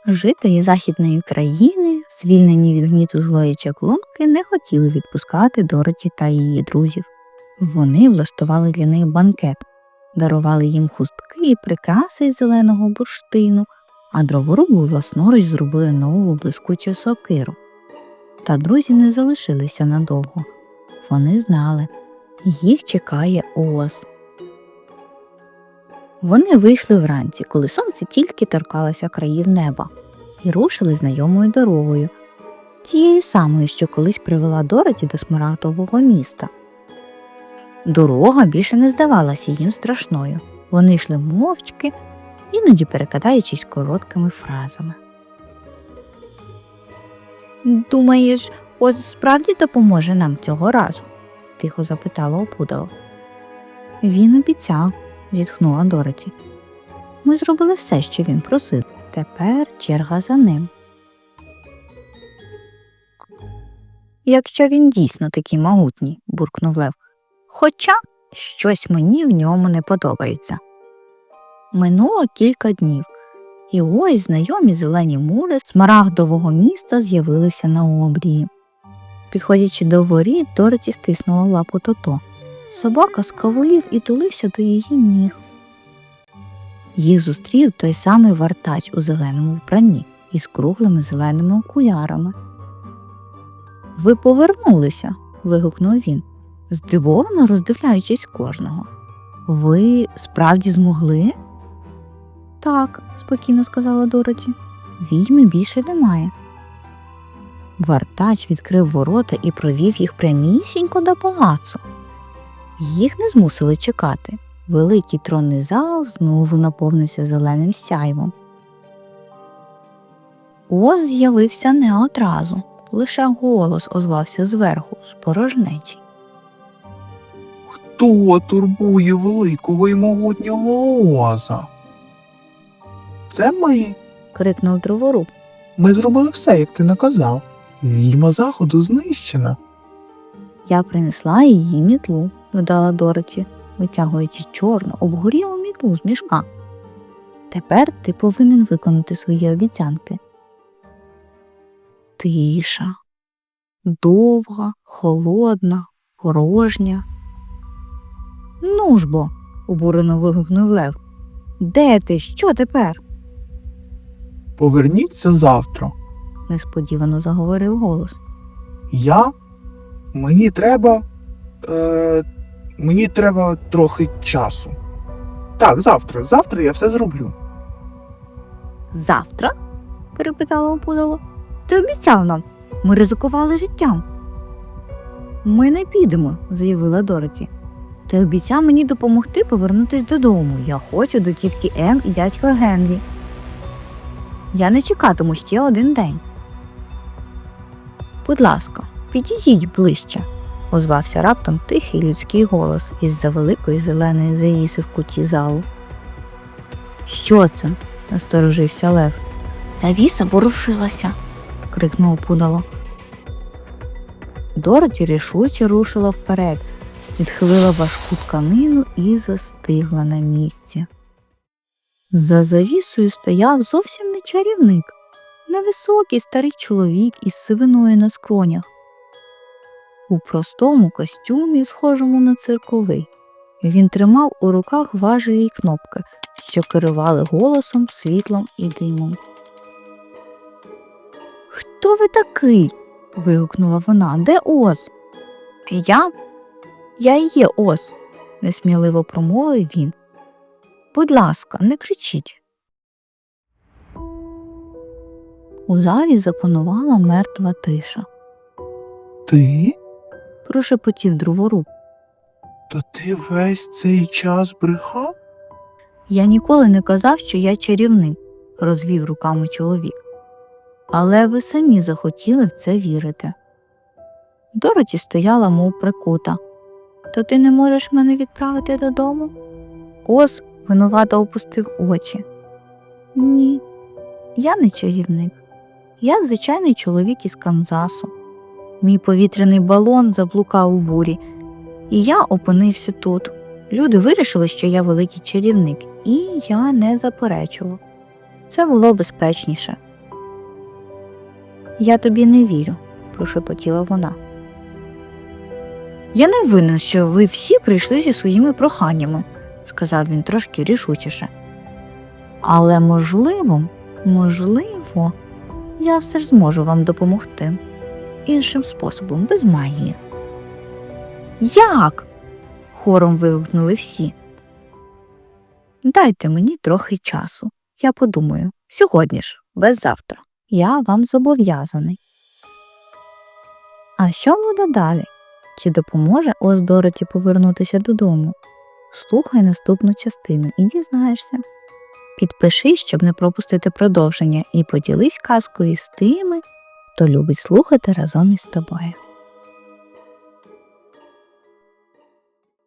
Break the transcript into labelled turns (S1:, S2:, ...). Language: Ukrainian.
S1: Жителі західної країни, звільнені від гніту злої чаклунки, не хотіли відпускати Дороті та її друзів. Вони влаштували для них банкет, дарували їм хустки і прикраси із зеленого бурштину, а дроворубу власноруч зробили нову блискучу сокиру. Та друзі не залишилися надовго. Вони знали, їх чекає Оз. Вони вийшли вранці, коли сонце тільки торкалося країв неба, і рушили знайомою дорогою, тією самою, що колись привела Дороті до Смарагдового міста. Дорога більше не здавалася їм страшною. Вони йшли мовчки, іноді перекидаючись короткими фразами. «Думаєш, Оз справді допоможе нам цього разу?» – тихо запитала опудало. «Він обіцяв», – зітхнула Дороті. «Ми зробили все, що він просив. Тепер черга за ним». «Якщо він дійсно такий могутній», – буркнув Лев. «Хоча щось мені в ньому не подобається». Минуло кілька днів, і ось знайомі зелені мури Смарагдового міста з'явилися на обрії. Підходячи до воріт, Дороті стиснула лапу Тото. Собака скавулів і тулився до її ніг. Їх зустрів той самий вартач у зеленому вбранні із круглими зеленими окулярами. «Ви повернулися!» – вигукнув він, здивовано роздивляючись кожного. «Ви справді змогли?» «Так», – спокійно сказала Дороті, – «відьми більше немає». Вартач відкрив ворота і провів їх прямісінько до палацу. Їх не змусили чекати. Великий тронний зал знову наповнився зеленим сяйвом. Оз з'явився не одразу, лише голос озвався зверху, з порожнечі.
S2: «Хто турбує великого і могутнього Оза?» «Це ми!»
S1: – крикнув дроворуб.
S2: «Ми зробили все, як ти наказав. Відьма заходу знищена».
S1: «Я принесла її мітлу», – додала Дороті, витягуючи чорну, обгорілу мітлу з мішка. «Тепер ти повинен виконати свої обіцянки». Тиша. Довга, холодна, порожня. «Ну ж бо!» – обурено вигукнув Лев. «Де ти? Що тепер?»
S2: «Поверніться завтра».
S1: Несподівано заговорив голос.
S2: Мені треба трохи часу. Так, завтра я все зроблю».
S1: «Завтра?» – перепитала опудало. «Ти обіцяв нам. Ми ризикували життям». «Ми не підемо», – заявила Дороті. «Ти обіцяв мені допомогти повернутися додому. Я хочу до тітки Ем і дядька Генрі. Я не чекатиму ще один день». «Будь ласка, підійдіть ближче», – озвався раптом тихий людський голос із-за великої зеленої завіси в куті залу. «Що це?» – насторожився Лев. «Завіса ворушилася», – крикнув опудало. Дороті рішуче рушила вперед, відхилила важку тканину і застигла на місці. За завісою стояв зовсім не чарівник, невисокий старий чоловік із сивиною на скронях. У простому костюмі, схожому на цирковий, він тримав у руках важелі й кнопки, що керували голосом, світлом і димом. «Хто ви такий?» – вигукнула вона. «Де Оз?» Я і є Оз», – несміливо промовив він. «Будь ласка, не кричіть». У залі запанувала мертва тиша.
S2: «Ти?
S1: – прошепотів дроворуб.
S2: То ти весь цей час брехав?»
S1: «Я ніколи не казав, що я чарівник», – розвів руками чоловік. «Але ви самі захотіли в це вірити». Дороті стояла, мов прикута. «То ти не можеш мене відправити додому?» Оз винувато опустив очі. «Ні, я не чарівник. Я звичайний чоловік із Канзасу. Мій повітряний балон заблукав у бурі, і я опинився тут. Люди вирішили, що я великий чарівник, і я не заперечував. Це було безпечніше. Я тобі не вірю, прошепотіла вона. Я не винен, що ви всі прийшли зі своїми проханнями, сказав він трошки рішучіше. Але можливо, я все ж зможу вам допомогти. Іншим способом, без магії. Як? Хором вигукнули всі. Дайте мені трохи часу. Я подумаю. Сьогодні ж, без завтра. Я вам зобов'язаний. А що буде далі? Чи допоможе Оз Дороті повернутися додому? Слухай наступну частину і дізнаєшся. Підпишись, щоб не пропустити продовження, і поділись казкою з тими, хто любить слухати разом із тобою.